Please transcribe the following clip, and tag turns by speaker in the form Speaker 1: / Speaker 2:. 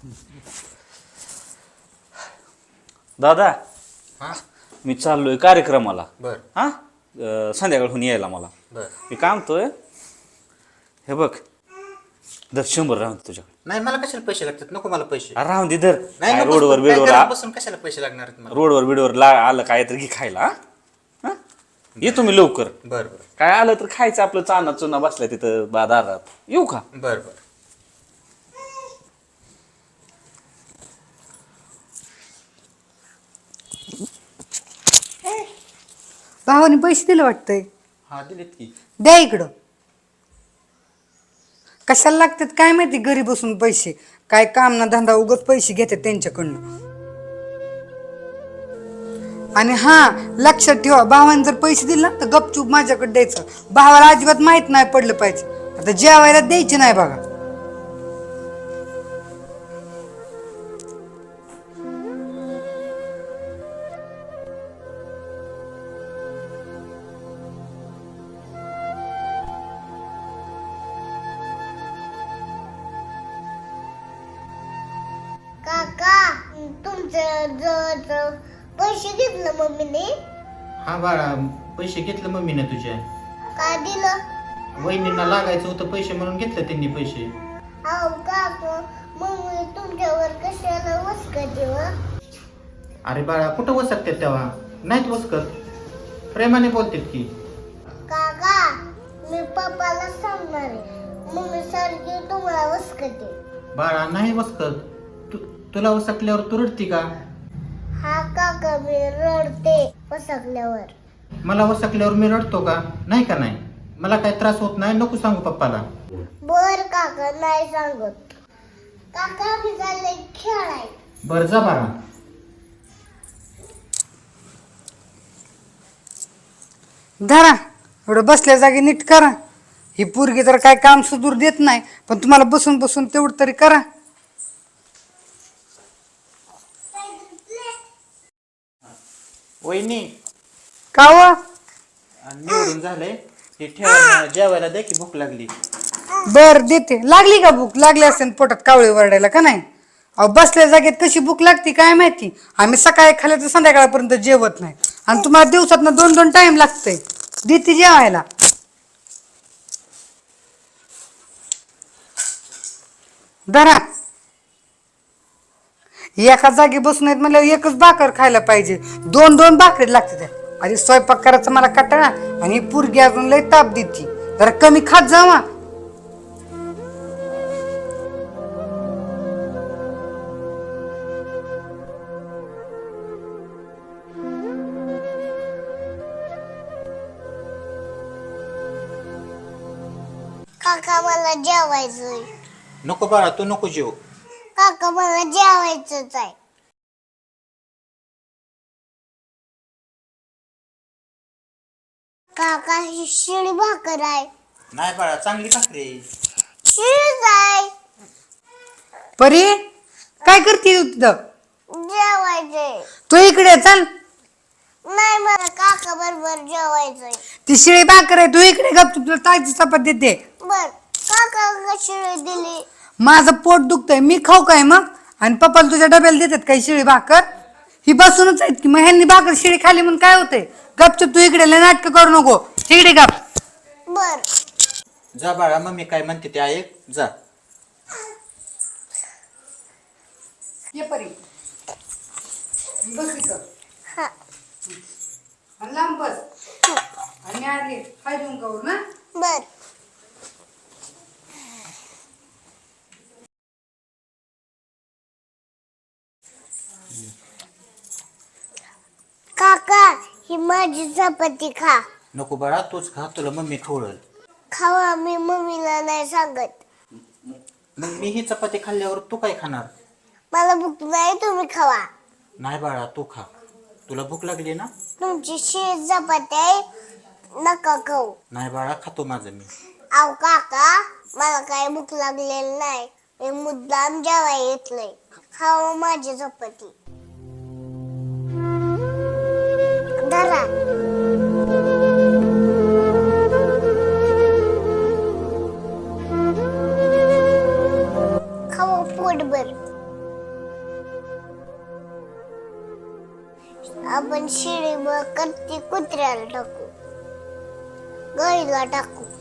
Speaker 1: दादा
Speaker 2: हा
Speaker 1: मी चाललोय कार्यक्रमाला.
Speaker 2: बर
Speaker 1: हा संध्याकाळहून यायला मला.
Speaker 2: बर
Speaker 1: मी काय म्हणतोय, हे बघ दर 100 राहून दे तुझ्याकडे.
Speaker 2: नाही मला कशाला पैसे लागतात, नको मला पैसे.
Speaker 1: अरे राहून दे दर.
Speaker 2: नाही
Speaker 1: काय
Speaker 2: नको,
Speaker 1: रोडवर
Speaker 2: काय
Speaker 1: बिडवर
Speaker 2: घरात बसून कशाला पैसे लागणार आहेत मला.
Speaker 1: रोडवर बिडवर आलं काय तर घे खायला. हा? ये तुम्ही लवकर.
Speaker 2: बर बर
Speaker 1: काय आलं तर खायचं आपलं, चाना चुना बसलाय तिथं दारात. येऊ का?
Speaker 2: बर बर.
Speaker 3: भावाने पैसे दिले वाटतंय.
Speaker 2: हा दिलेत की.
Speaker 3: द्या इकडं. कशाला लागतात काय माहिती, घरी बसून पैसे काय काम ना धंदा, उगत पैसे घेतात त्यांच्याकडनं. आणि हा लक्षात ठेवा, भावाने जर पैसे दिले ना तर गपचूप माझ्याकडे द्यायचं. भावाला अजिबात माहित नाही पडलं पाहिजे. आता जेवायला द्यायचे नाही बघा.
Speaker 4: काका तुमचं जवळ पैसे घेतलं मम्मीने.
Speaker 2: हा बाळा, पैसे घेतलं मम्मीने तुझ्या.
Speaker 4: काय दिलं?
Speaker 2: वहिनींना लागायचं होतं पैसे म्हणून घेतलं त्यांनी पैसे.
Speaker 4: अहो काका, मम्मी तुमच्यावर कशाला वसकते व?
Speaker 2: अरे बाळा, कुठं वसकतात तेव्हा, नाहीत वसकत, प्रेमाने बोलतात की.
Speaker 4: काका मी पप्पाला सांगणार आहे, मम्मी सारखी तुम्हाला वसकते.
Speaker 2: बाळा नाही वसकत. तुला वसकल्यावर तू रडती का?
Speaker 4: हा काका मी रडते वसकल्यावर.
Speaker 2: मला वसकल्यावर मी रडतो का? नाही का नाही. मला काही त्रास होत नाही, नको सांगू पप्पाला.
Speaker 4: बर काका नाही सांगत. काका मी चालले खेळाय.
Speaker 2: बर जा बाळा.
Speaker 3: धरा, एवढं बसल्या जागी नीट करा. ही पोरगी तर काय काम सुधूर देत नाही, पण तुम्हाला बसून बसून तेवढं तरी करा.
Speaker 2: वहिनी
Speaker 3: का व?
Speaker 2: निवडून झालंय हे, ठेवा जेवायला द्या की, भूक लागली.
Speaker 3: बर देते. लागली का भूक? लागली असेल पोटात कावळे वरडायला का नाही? अहो बसल्या जागेत कशी भूक लागते काय माहिती. आम्ही सकाळी खाल्लं तर संध्याकाळपर्यंत जेवत नाही, आणि तुम्हाला दिवसात 2-2 टाइम लागतंय. देते जेवायला. धरा. एका जागी बसून आहेत म्हणल्यावर एकच भाकर खायला पाहिजे, 2-2 भाकरी लागते त्या. आधी स्वयंपाक करायचा मला कंटाळा, आणि ही पोरगी अजून लय ताप देती. जरा कमी खात जावा.
Speaker 4: काका मला जेवायचंय.
Speaker 2: नको बाळा, तू नको जेव.
Speaker 4: काका मला जेवायचंच आहे. काका ही शिळी भाकर आहे.
Speaker 2: नाही बाळा, चांगली भाकरी आहे.
Speaker 4: शिळीच आहे.
Speaker 3: परी काय करते तू तिथं?
Speaker 4: जेवायचंय.
Speaker 3: तू इकडे चल.
Speaker 4: नाही मला काका बरोबर जेवायचंय.
Speaker 3: ती शिळी भाकर आहे, तू इकडे गप. तुला ताजी चपात देते.
Speaker 4: बर काका का शिळी दिली?
Speaker 3: माझं पोट दुखतंय, मी खाऊ काय मग? आणि पप्पाला तुझ्या डब्याला देतात काही शिळी भाकर? ही बसूनच आहेत की, मग ह्यांनी भाकर शिळी खाली म्हणून काय होतंय? गपचूप तू इकडे लय नाटकं करू नको. इकडे गप.
Speaker 4: बर
Speaker 2: जा बाळा, मम्मी काय म्हणते ते ऐक, जा.
Speaker 3: ये परी, बस इथं.
Speaker 4: हा
Speaker 3: आणि लांब बस. आणि आले काय देऊन करू ना.
Speaker 4: बर. काका ही माझी चपाती खा.
Speaker 2: नको बाळा, तूच खा, तुला मम्मी खवळल.
Speaker 4: खावा, मी मम्मीला नाही सांगत.
Speaker 2: मग मी ही चपाती खाल्ल्यावर तू काय खाणार?
Speaker 4: मला भूक नाही, तुम्ही खावा.
Speaker 2: नाही बाळा, तू खा, तुला भूक लागली ना.
Speaker 4: तुमची शिळी चपाती आहे, नका खाऊ.
Speaker 2: नाही बाळा, खातो माझं मी.
Speaker 4: आव काका मला काय भूक लागलेली नाही, मी मुद्दाम जेवाय येतलंय. खावा माझी चपाती. धरा. खावा पोटभर. आपण शिळी करती कुत्र्याला टाकू गाईला टाकू